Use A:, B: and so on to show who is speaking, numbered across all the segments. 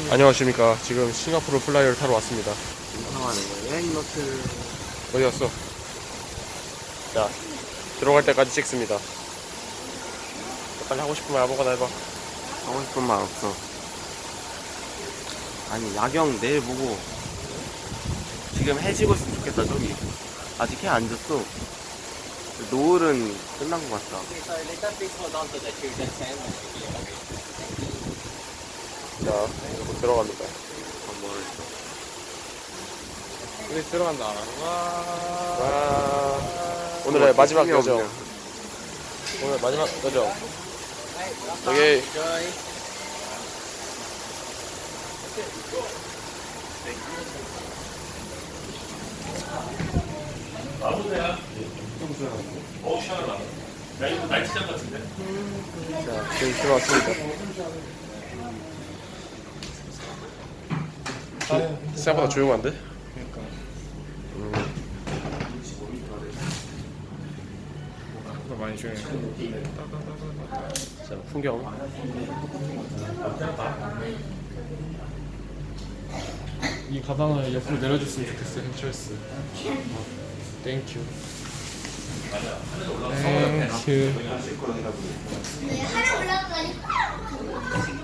A: 안녕하십니까. 지금 싱가포르 플라이어를 타러 왔습니다.
B: 인상하는 거예요? 여행노트.
A: 어디 갔어? 자, 들어갈 때까지 찍습니다. 빨리 하고 싶은 말 아무거나 해봐.
B: 하고 싶은 말 없어. 아니, 야경 내일 보고. 지금 해 지고 있으면 좋겠다, 저기. 아직 해 안 졌어. 노을은 끝난 것 같다.
A: 자, 이렇게 들어갑니다.
B: 뭐를 했어?
C: 우리 들어간다.
A: 와, 오늘의 마지막 여정.
B: 없냐.
A: 오늘 마지막 여정. 여기
C: 날치장 같은데?
A: 자, 지금 들어왔습니다. 생각보다 조용한데?
C: 그러니까. 생각보다 많이 조용해.
A: 자, 풍경.
C: 이 가방을 옆으로 내려줬으면 좋겠어, hen철스. 땡큐. 땡큐.
D: 하나 올라가니까.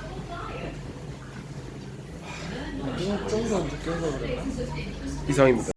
C: 좀더 늦게 온거 그랬나?
A: 이상입니다.